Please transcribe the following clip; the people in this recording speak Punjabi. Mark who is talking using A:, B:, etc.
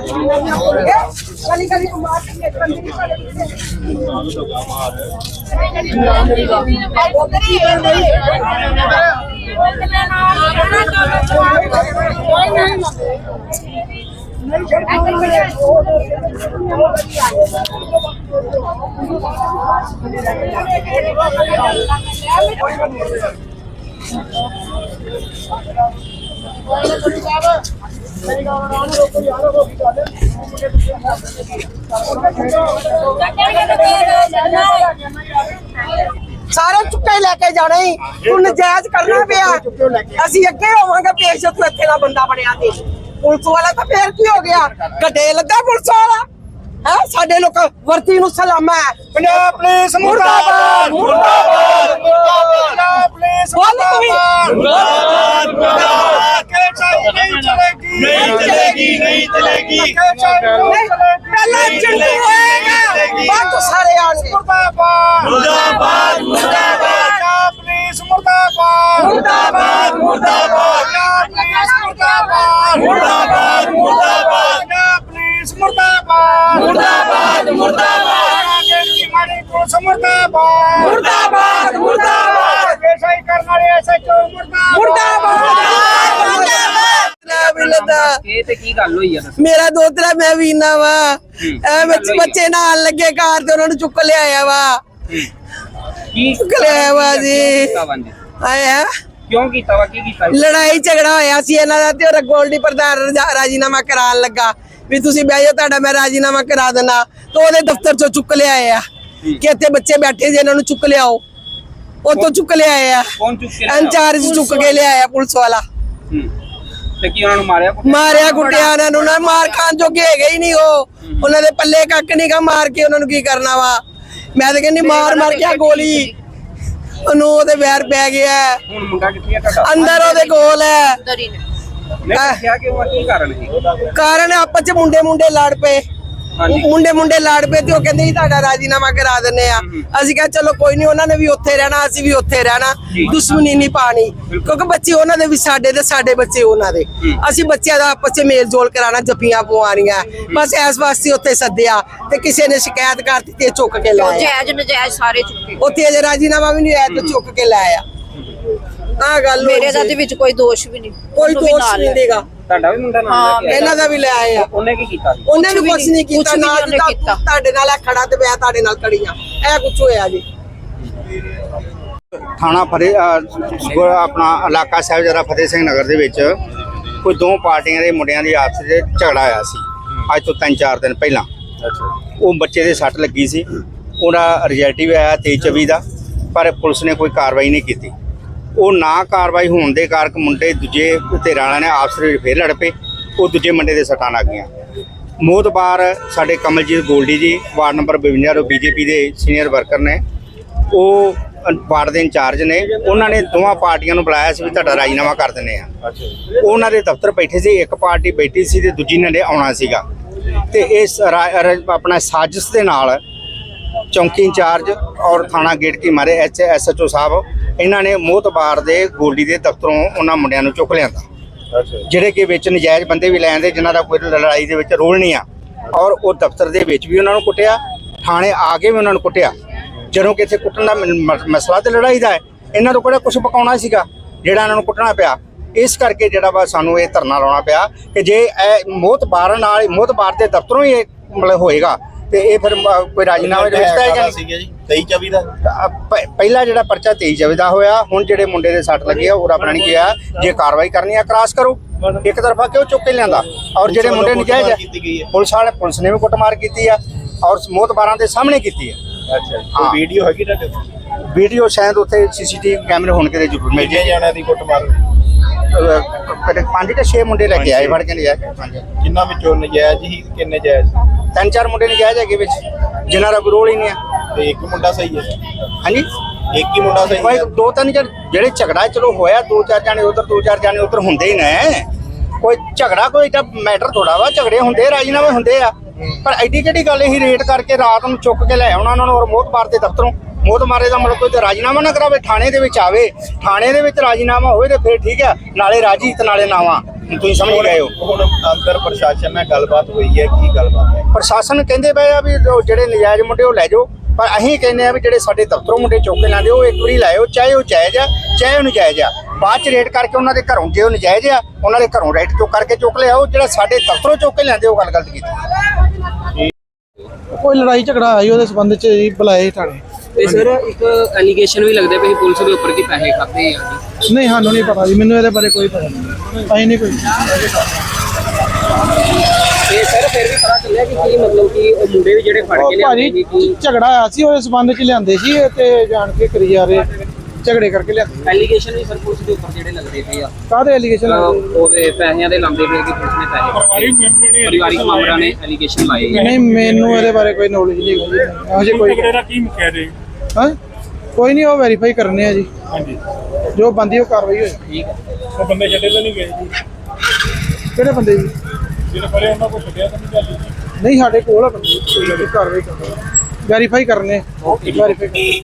A: सारे चुके लेके जाने ही तू नजायज करना पिया असी अगे होवांगे पेश तू इत्थे दा बंदा बनया ते पुलिस वाला तो फिर की हो गया गड्डे लगा पुलिस वाला है साडे लोग वर्ती नु सलाम है पंजाब पुलिस मुर्दाबाद मुर्दाबाद पंजाब पुलिस मुर्दाबाद मुर्दाबाद नहीं चलेगी नहीं चलेगी नहीं चलेगी पहले चिंटू होएगा बाद तो सारे आएंगे मुर्दाबाद मुर्दाबाद मुर्दाबाद पंजाब पुलिस मुर्दाबाद मुर्दाबाद मुर्दाबाद पंजाब पुलिस मुर्दाबाद मुर्दाबाद मुर्दाबाद पंजाब पुलिस मुर्दाबाद मुर्दाबाद मुर्दाबाद मारी पुलिस मुर्दाबाद मुर्दाबाद मुर्दाबाद ऐसा ही करना है ऐसा क्यों मुर्दाबाद मेरा दोतरा मैं भी ना वा बच्चे नाल लगे कार ते उन्होंने चुक लिया वा चुक लिया वा जी आया
B: क्यों कीता वा की कीता
A: लड़ाई झगड़ा होया सी इन्हां दा ते गोल्डी प्रधान राजीनामा करान लगा भी तुसी बह जाओ तुहाडा मैं राजीनामा करा देना तो ओदे दफ्तर चों चुक लिया कि इत्थे बच्चे बैठे जे इन्हां नूं चुक लियाओ ओतों चुक लिया
B: कौन चुक के
A: इंचार्ज चुक के लिया पुलिस वाला मारिया कुटिया उन्होंने मार खान जोगे है ही नहीं उन्होंने पल्ले कख नहीं का मार के उन्होंने की करना वा मैं तो कहनी मार मार के गोली ओदे वैर पै गया अंदर ओदे कोल है कारण आपस च मुंडे मुंडे लड़ पे मुंडे मुंडे लड़ पे तो कहते तुहाडा राजीनामा करा देने असीं कहा चलो कोई नहीं उन्होंने भी उत्थे रहना असीं भी उत्थे रहना दुश्मनी नहीं पानी क्योंकि बच्चे उन्होंने भी साडे ते साडे बच्चे उन्होंने असीं बच्चों का आपस च मेल जोल कराना जप्पियां पवानियां बस इस वास्ते उत्थे सद्दिया ते किसी ने शिकायत करती ते चुक के लाया
C: जायज नजायज सारे चुके
A: उत्थे अजे राजीनामा भी नहीं आया तो चुक के लाया
C: मेरे दा ते विच कोई दोष भी नहीं
A: कोई दोष नहीं देगा
B: ਤੁਹਾਡਾ ਵੀ ਮੁੰਡਾ ਨਾਲ
A: ਇਹਨਾਂ ਦਾ ਵੀ ਲੈ ਆਇਆ
B: ਉਹਨੇ ਕੀ ਕੀਤਾ
A: ਉਹਨੇ ਵੀ ਕੁਝ ਨਹੀਂ ਕੀਤਾ ਨਾ ਤੁਹਾਡੇ ਨਾਲ ਖੜਾ ਤੇ ਮੈਂ ਤੁਹਾਡੇ ਨਾਲ ਖੜੀਆਂ ਇਹ ਕੁਝ ਹੋਇਆ ਜੀ
D: ਥਾਣਾ ਫਤਿਹ ਆਪਣਾ ਇਲਾਕਾ ਸਾਹਿਬ ਜਰਾ ਫਤਿਹ ਸਿੰਘ ਨਗਰ ਦੇ ਵਿੱਚ ਕੋਈ ਦੋ ਪਾਰਟੀਆਂ ਦੇ ਮੁੰਡਿਆਂ ਦੀ ਆਪਸ ਵਿੱਚ ਝਗੜਾ ਆਇਆ ਸੀ ਅੱਜ ਤੋਂ 3-4 ਦਿਨ ਪਹਿਲਾਂ ਉਹ ਬੱਚੇ ਦੇ ਸੱਟ ਲੱਗੀ ਸੀ ਉਹਦਾ ਰਿਜ਼ਲਟ ਵੀ ਆਇਆ 23-24 ਦਾ ਪਰ ਪੁਲਿਸ ਨੇ ਕੋਈ ਕਾਰਵਾਈ ਨਹੀਂ ਕੀਤੀ ਉਹ ਨਾ ਕਾਰਵਾਈ ਹੋਣ ਦੇ ਕਾਰਨ ਮੁੰਡੇ ਦੂਜੇ ਧਿਰਾਂ ਵਾਲਿਆਂ ਨੇ ਆਪਸ ਵਿੱਚ ਫੇਰ ਲੜ ਪਏ ਉਹ ਦੂਜੇ ਮੁੰਡੇ ਦੇ ਸੱਟਾਂ ਲੱਗ ਗਈਆਂ ਮੋਹਤਬਾਰ ਸਾਡੇ ਕਮਲਜੀਤ ਗੋਲਡੀ ਜੀ ਵਾਰਡ ਨੰਬਰ 52 ਤੋਂ ਬੀਜੇਪੀ ਦੇ ਸੀਨੀਅਰ ਵਰਕਰ ਨੇ ਉਹ ਵਾਰਡ ਦੇ ਇੰਚਾਰਜ ਨੇ ਉਹਨਾਂ ਨੇ ਦੋਵਾਂ ਪਾਰਟੀਆਂ ਨੂੰ ਬੁਲਾਇਆ ਸੀ ਵੀ ਤੁਹਾਡਾ ਰਾਜੀਨਾਮਾ ਕਰ ਦਿੰਦੇ ਆ ਉਹਨਾਂ ਦੇ ਦਫ਼ਤਰ ਬੈਠੇ ਸੀ ਇੱਕ ਪਾਰਟੀ ਬੈਠੀ ਸੀ ਤੇ ਦੂਜੀ ਨੇ ਆਉਣਾ ਸੀਗਾ ਤੇ ਇਸ ਆਪਣਾ ਸਾਜ਼ਿਸ਼ ਦੇ ਨਾਲ ਚੌਂਕੀ ਇੰਚਾਰਜ ਔਰ ਥਾਣਾ ਗੇਟ ਕੀ ਮਾਰੇ SHO ਸਾਹਿਬ ਇਹਨਾਂ ਨੇ ਮੋਹਤਬਾਰ ਦੇ ਗੋਲਡੀ ਦੇ ਦਫ਼ਤਰੋਂ ਉਹਨਾਂ ਮੁੰਡਿਆਂ ਨੂੰ ਚੁੱਕ ਲਿਆਂਦਾ ਜਿਹੜੇ ਕਿ ਵਿੱਚ ਨਜਾਇਜ਼ ਬੰਦੇ ਵੀ ਲੈਂਦੇ ਜਿਨ੍ਹਾਂ ਦਾ ਕੋਈ ਲੜਾਈ ਦੇ ਵਿੱਚ ਰੋਲ ਨਹੀਂ ਆ ਔਰ ਉਹ ਦਫ਼ਤਰ ਦੇ ਵਿੱਚ ਵੀ ਉਹਨਾਂ ਨੂੰ ਕੁੱਟਿਆ ਥਾਣੇ ਆ ਕੇ ਵੀ ਉਹਨਾਂ ਨੂੰ ਕੁੱਟਿਆ ਜਦੋਂ ਕਿ ਇੱਥੇ ਕੁੱਟਣ ਦਾ ਮਸਲਾ ਤੇ ਲੜਾਈ ਦਾ ਹੈ ਇਹਨਾਂ ਤੋਂ ਕਿਹੜਾ ਕੁਝ ਪਕਾਉਣਾ ਸੀਗਾ ਜਿਹੜਾ ਇਹਨਾਂ ਨੂੰ ਕੁੱਟਣਾ ਪਿਆ ਇਸ ਕਰਕੇ ਜਿਹੜਾ ਵਾ ਸਾਨੂੰ ਇਹ ਧਰਨਾ ਲਾਉਣਾ ਪਿਆ ਕਿ ਜੇ ਇਹ ਮੋਹਤਬਾਰ ਨਾਲ ਮੋਹਤਬਾਰ ਦੇ ਦਫ਼ਤਰੋਂ ਹੀ ਇਹ ਮਤਲਬ ਹੋਏਗਾ ਤੇ ਇਹ ਫਿਰ ਕੋਈ ਰਾਜੀਨਾਮੇ ਦੇ ਵਿੱਚ ਤਾਂ
E: ਸੀਗਾ ਜੀ 23-24 ਦਾ
D: ਪਹਿਲਾ ਜਿਹੜਾ ਪਰਚਾ 23-24 ਦਾ ਹੋਇਆ ਹੁਣ ਜਿਹੜੇ ਮੁੰਡੇ ਦੇ ਸੱਟ ਲੱਗੇ ਆ ਉਹ ਰੱਬ ਨੇ ਕਿਹਾ ਜੇ ਕਾਰਵਾਈ ਕਰਨੀ ਆ ਕ੍ਰਾਸ ਕਰੋ ਇੱਕ ਤਰਫਾ ਕਿਉਂ ਚੁੱਕ ਕੇ ਲਿਆਂਦਾ ਔਰ ਜਿਹੜੇ ਮੁੰਡੇ ਨਜਾਇਜ਼ ਆ ਪੁਲਿਸ ਨੇ ਵੀ ਕੁੱਟਮਾਰ ਕੀਤੀ ਆ ਔਰ ਮੋਹਤਬਾਰਾਂ ਦੇ ਸਾਹਮਣੇ ਕੀਤੀ ਆ
E: ਅੱਛਾ ਕੋਈ ਵੀਡੀਓ ਹੈਗੀ ਤੁਹਾਡੇ
D: ਵੀਡੀਓ ਸ਼ਾਇਦ ਉੱਥੇ CCTV ਕੈਮਰੇ ਹੋਣ ਕਿਤੇ ਜ਼ਰੂਰ ਮਿਲ ਜਾਏ
E: ਜਾਣਾ ਦੀ ਕੁੱਟਮਾਰ
D: 5 ਜਾਂ 6 ਮੁੰਡੇ ਲੈ ਕੇ ਆਏ ਫੜ ਕੇ ਨਜਾਇਜ਼
E: ਕਿੰਨਾ ਵਿੱਚੋਂ ਨਜਾਇਜ਼ ਹੀ ਕਿੰਨੇ ਜਾਇਜ਼
D: 3-4 ਮੁੰਡੇ ਨਜਾਇਜ਼ ਹੈਗੇ ਵਿੱਚ ਜਿਨ੍ਹਾਂ ਦਾ ਕੋਈ ਰੋਲ ਹੀ ਨਹੀਂ ਆ
E: ਤੇ ਇੱਕ ਮੁੰਡਾ ਸਹੀ ਹੈ
D: ਹਾਂਜੀ
E: ਇੱਕ ਹੀ ਮੁੰਡਾ ਸਹੀ
D: ਭਾਈ 2-3 ਜਿਹੜੇ ਝਗੜਾ ਚਲੋ ਹੋਇਆ 2-4 ਜਾਣੇ ਉਧਰ 2-4 ਜਾਣੇ ਉਧਰ ਹੁੰਦੇ ਹੀ ਨੇ ਕੋਈ ਝਗੜਾ ਕੋਈ ਤਾਂ ਮੈਟਰ ਥੋੜਾ ਵਾ ਝਗੜੇ ਹੁੰਦੇ ਰਾਜੀਨਾਮੇ ਹੁੰਦੇ ਆ ਪਰ ਐਡੀ ਕਿਹੜੀ ਗੱਲ ਇਹ ਰੇਟ ਕਰਕੇ ਰਾਤ ਨੂੰ ਚੁੱਕ ਕੇ ਲੈ ਆਉਣਾ ਉਹਨਾਂ ਨੂੰ ਔਰ ਮੋਹਤਬਾਰ ਦੇ ਦਫ਼ਤਰੋਂ ਮੋਹਤਬਾਰੇ ਦਾ ਮਤਲਬ ਕੋਈ ਰਾਜੀਨਾਮਾ ਨਾ ਕਰਾਵੇ ਥਾਣੇ ਦੇ ਵਿੱਚ ਆਵੇ ਥਾਣੇ ਦੇ ਵਿੱਚ ਰਾਜੀਨਾਮਾ ਹੋਵੇ ਤੇ ਫਿਰ ਠੀਕ ਆ ਨਾਲੇ ਰਾਜੀ ਤੇ ਨਾਲੇ ਨਾਵਾ ਤੁਸੀਂ ਸਮਝ ਗਏ ਹੋ।
E: ਹੁਣ ਅੰਦਰ ਪ੍ਰਸ਼ਾਸਨ ਨਾਲ ਗੱਲਬਾਤ ਹੋਈ ਹੈ, ਕੀ ਗੱਲਬਾਤ ਹੈ?
D: ਪ੍ਰਸ਼ਾਸਨ ਕਹਿੰਦੇ ਪਏ ਆ ਵੀ ਜੋ ਜਿਹੜੇ ਨਜਾਇਜ਼ ਮੁੰਡੇ ਉਹ ਲੈ ਜਾਓ, ਪਰ ਅਸੀਂ ਕਹਿੰਦੇ ਆ ਵੀ ਜਿਹੜੇ ਸਾਡੇ ਦਫ਼ਤਰੋਂ ਮੁੰਡੇ ਚੁੱਕ ਕੇ ਲਾਉਂਦੇ ਉਹ ਇੱਕ ਵਾਰੀ ਲਾਇਓ, ਚਾਹੇ ਉਹ ਜਾਇਜ਼ ਆ ਚਾਹੇ ਉਹ ਨਜਾਇਜ਼ ਆ। ਬਾਅਦ ਚ ਰੇਡ ਕਰਕੇ ਉਹਨਾਂ ਦੇ ਘਰੋਂ, ਜੇ ਉਹ ਨਜਾਇਜ਼ ਆ ਉਹਨਾਂ ਦੇ ਘਰੋਂ ਰੇਡ ਚੁੱਕ ਕਰਕੇ ਚੁੱਕ ਲਿਆਓ। ਜਿਹੜਾ ਸਾਡੇ ਦਫ਼ਤਰੋਂ ਚੁੱਕ ਕੇ ਲਿਆਂਦੇ ਉਹ ਗੱਲ ਗਲਤ ਕੀਤੀ।
F: ਕੋਈ ਲੜਾਈ ਝਗੜਾ ਆਈ ਉਹਦੇ ਸੰਬੰਧ ਚ ਜੀ ਬੁਲਾਏ ਥਾਣੇ।
B: ਤੇ ਸਰ ਇੱਕ ਐਲੀਗੇਸ਼ਨ ਵੀ ਲੱਗਦੇ ਪਏ ਪੁਲਿਸ ਦੇ ਉੱਪਰ ਕਿ ਪੈਸੇ ਖਾਦੇ ਆ ਜੀ।
F: ਨਹੀਂ ਸਾਨੂੰ ਨਹੀਂ ਪਤਾ ਜੀ, ਮੈਨੂੰ ਇਹਦੇ ਬਾਰੇ ਕੋਈ ਪਤਾ ਨਹੀਂ, ਅਸੀਂ ਨਹੀਂ ਕੋਈ।
B: ਤੇ ਸਰ ਫਿਰ ਵੀ ਪਤਾ ਚੱਲਿਆ ਕਿ ਕੀ ਮਤਲਬ ਕਿ ਉਹ ਮੁੰਡੇ ਵੀ ਜਿਹੜੇ ਫੜ ਕੇ ਲਿਆਂਦੇ
F: ਭਾਜੀ
B: ਸੀ ਕਿ
F: ਝਗੜਾ ਆਇਆ ਸੀ ਉਹਦੇ ਸੰਬੰਧ ਚ ਲਿਆਂਦੇ ਸੀ ਇਹ ਤੇ ਜਾਣ ਕੇ ਕਰੀ ਜਾ ਰਹੇ ਝਗੜੇ ਕਰਕੇ ਲਿਆਂਦੇ।
B: ਐਲੀਗੇਸ਼ਨ ਵੀ ਸਰ ਪੁਲਿਸ ਦੇ ਉੱਪਰ ਜਿਹੜੇ ਲੱਗਦੇ ਪਏ ਆ
F: ਕਾਹਦੇ ਐਲੀਗੇਸ਼ਨ
B: ਉਹਦੇ ਪੈਸਿਆਂ ਦੇ ਲਾਉਂਦੇ ਪਏ ਕਿ ਪੁਲਿਸ ਨੇ ਪੈਸੇ ਪਰਿਵਾਰਿਕ ਮੈਂਬਰਾਂ ਨੇ ਐਲੀਗੇਸ਼ਨ ਲਾਏ ਆ।
F: ਨਹੀਂ ਮੈਨੂੰ ਇਹਦੇ ਬਾਰੇ ਕੋਈ ਨੌਲੇਜ ਨਹੀਂ ਹੈਗੀ ਅਜੇ ਕੋਈ।
G: ਕੀ ਮੁਕਿਆ ਜੀ?
F: ਹਾਂ ਕੋਈ ਨਹੀਂ, ਉਹ ਵੈਰੀਫਾਈ ਕਰਨੇ ਆ ਜੀ,
G: ਹਾਂਜੀ,
F: ਜੋ ਬੰਦੀ ਉਹ ਕਾਰਵਾਈ ਹੋਏ।
B: ਠੀਕ ਹੈ।
G: ਉਹ ਬੰਦੇ ਛੱਡੇ ਤਾਂ ਨਹੀਂ ਗਏ ਜੀ?
F: ਕਿਹੜੇ ਬੰਦੇ ਜੀ?
G: ਜਿਹੜੇ ਫੜੇ ਉਹਨਾਂ ਕੋਲ ਛੱਡਿਆ ਤਾਂ ਨਹੀਂ ਜਾਂਦੀ?
F: ਨਹੀਂ ਸਾਡੇ ਕੋਲ ਆ ਬੰਦੇ, ਕਾਰਵਾਈ ਕਰਨੀ, ਵੈਰੀਫਾਈ ਕਰਨੇ, ਵੈਰੀਫਾਈ ਕਰਨੇ।